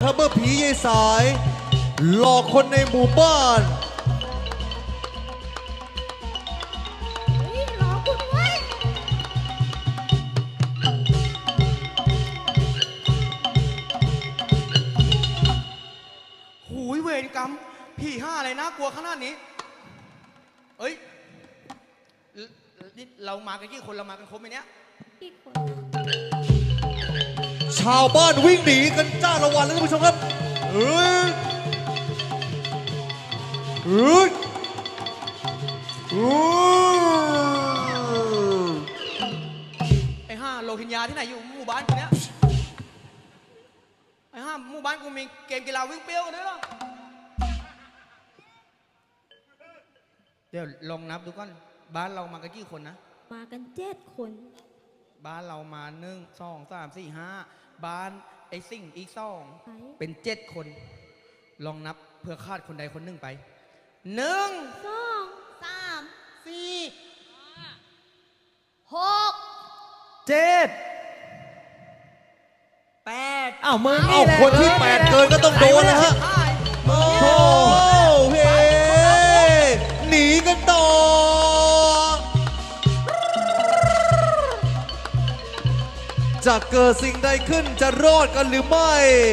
ครับเมื่อผียายสายหลอกคนในหมู่บ้านรอกูด้วยหูยเวรกรรมพี่ห้าอะไรน่ากลัวขนาดนี้เอ้ยนี่เรามากันกี่คนเรามากันครบไหมเนี่ยอีกคนชาวบ้านวิ่งหนีกันจ้าละวันแล้วท่านผู้ชมครับเฮ้ยเฮ้ยเฮ้ยไอ้ห้าโลหินยาที่ไหนอยู่หมู่บ้านกูเนี้ยไอ้ห้าหมู่บ้านกูมีเกมกีฬาวิ่งเปรี้ยวกันด้วยเหรอเดี๋ยวลองนับดูก่อนบ้านเรามากันกี่คนนะมากัน7 คนบ้านเรามา1 2 3 4 5บ้านไอ้สิ่งอีก2 ไปเป็น7 คนลองนับเพื่อคาดคนใดคนหนึ่งไป1 2 3 4 6 7 8 อ้าวมึงเอ้านี่แหละคนที่8เกินก็ต้องโดนแล้วฮะโอ้โหเฮ้หนีกันต่อจะเกิดสิ่งใดขึ้นจะรอดกันหรือไม่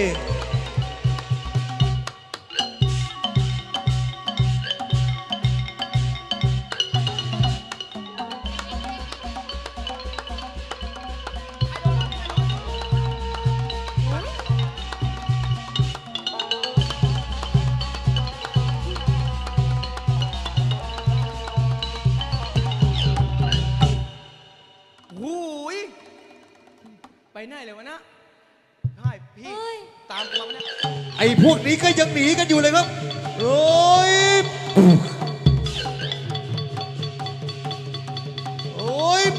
หูยไปไหนเลยวะนะใช่พี่เฮ้ยตามกูมาเนี่ยไอ้พวกนี้ก็ยังหนีกันอยู่เลยครับโอ้ยโอ้ย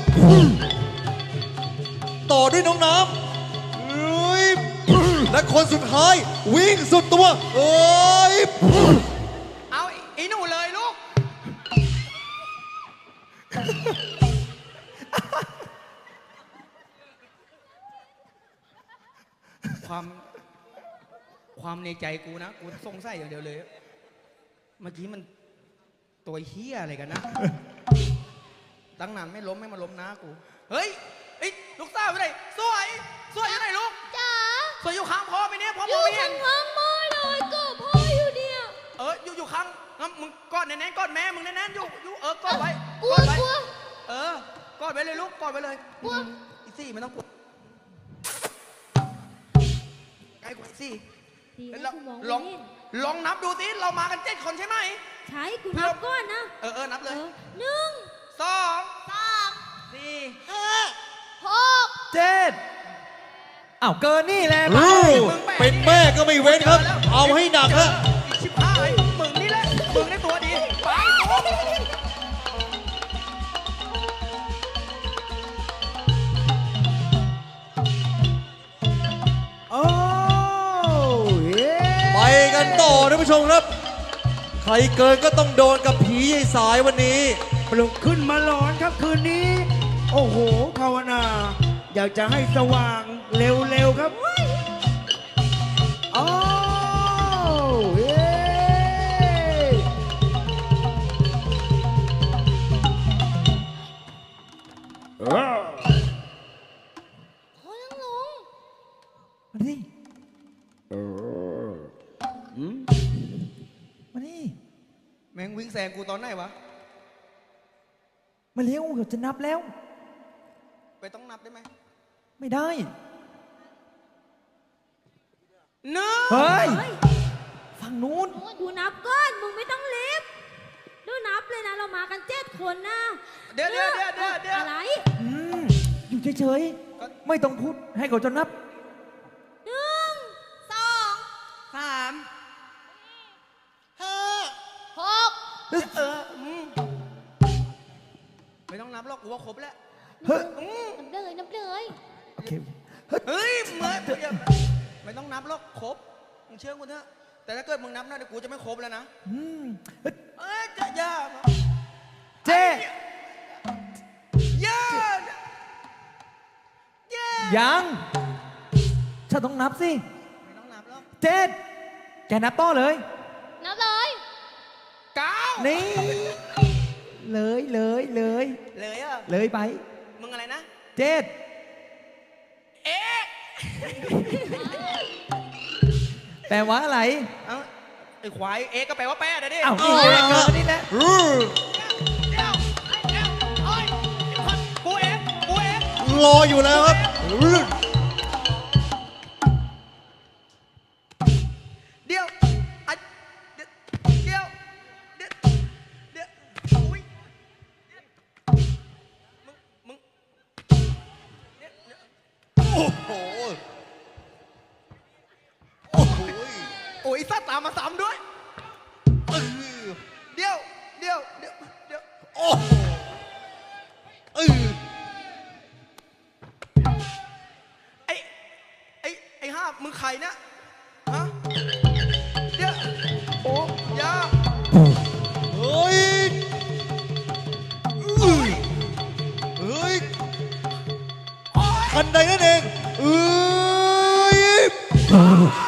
ต่อด้วยน้องน้ำโอ้ยและคนสุดท้ายวิ่งสุดตัวโอ้ยเอาอีหนูเลยลูกความในใจกูนะกูสงสัยอย่างเดียวเลยเมื่อกี้มันตัวเฮี้ยอะไรกันนะตั้งนานไม่ล้มไม่มาล้มนะกูเฮ้ยลูกสาวอยู่ไหนสวยอยู่ไหนลูกจ๋าสวยอยู่ข้างพ่อไปเนี่ยพ่ออมองยู่ไม่เห็นข้างๆพ่อเลยก็พ่ออยู่เนี่ยอยู่ข้างงั้นมึงกอดแน่ๆกอดแม่มึงแน่ๆอยู่กอดไว้กลัวกอดไว้กลัวกอดไว้เลยลูกกอดไว้เลยกลัวอีซี่ไม่ต้องกลัวใกล้กว่าอีซี่ดีแล้นะวกูมองลองไม่เห็นลองนับดูสิเรามากัน7 คนใช่ไหมใช่กูนับก่อนนะนับเลย 1 2 3 4 6 7อ้าวเกินนี่แหละเป็นแม่ก็ไม่เว้นครับ เอาให้หนักฮะอีก15มึงนี่แหละมึงได้ตัวดีไปโอ้เย้ไปกันต่อท่านผู้ชมครับ ใครเกินก็ต้องโดนกับผียายสายวันนี้ปลุกขึ้นมาหลอนครับคืนนี้ โอ้โหภาวนา อยากจะให้สว่างเร็วๆครับโอ้เย้อ้าวพ่อยังลงมาดิมาดิแม่งวิ่งแซงกูตอนไหนวะมาเร็วเดี๋ยวจะนับแล้วไปต้องนับได้ไหมไม่ได้หนึ่งเฮ้ยเฮ้ยฝั่งนู้นกูนับก่อนมึงไม่ต้องรีบดูนับเลยนะเรามากัน7 คนนะเดี๋ยวอะไรอืมอยู่เฉยๆ ไม่ต้องพูดให้เขาจะนับ 1 2 3 6 ไม่ต้องนับหรอกกูว่าครบแล้วเฮ้ยนับเลยโอเคเฮ้ยไม่ต้องนับหรอกครบมึงเชื่อกูเถอะแต่ถ้าเกิดมึงนับนะเดี๋ยวกูจะไม่ครบแล้วนะอืมเฮ้ยจะยากเจ๊ยากยังฉันต้องนับสิไม่ต้องนับหรอกเจ็ดแกนับต่อเลยนับเลย 9 นี่ เลยเลยเลยเลยอ่ะเลยไปมึงอะไรนะเจ็ดเอ๊ะแปลว่าอะไรเอ้าไอ้ควายเอ๊ะก็แปลว่าแป้นะดิเอ้าเอานี่ละเกินนี่แหละอือเดี๋ยวโอ้ยกูเอ๊ะกูเอ๊ะรออยู่แล้วครับอือเดี๋ยวอ่ะเดี๋ยวเดี๋ยวเดี๋ยวเดี๋ยวอุ้ยมึงเดี๋ยวโอ้โหโอ้โหโอ้ยสัตว์ตามมาซ้ำด้วยเออเดี๋ยวเดี๋ยวเดี๋ยวเดี๋ยวโอ้โหเออไอ้ห้ามึงใครเนี่ยฮะเดี๋ยวโอ้ยาเฮ้ยอือเฮ้ยโอ้ยคันใดนั่นเองเอ้ย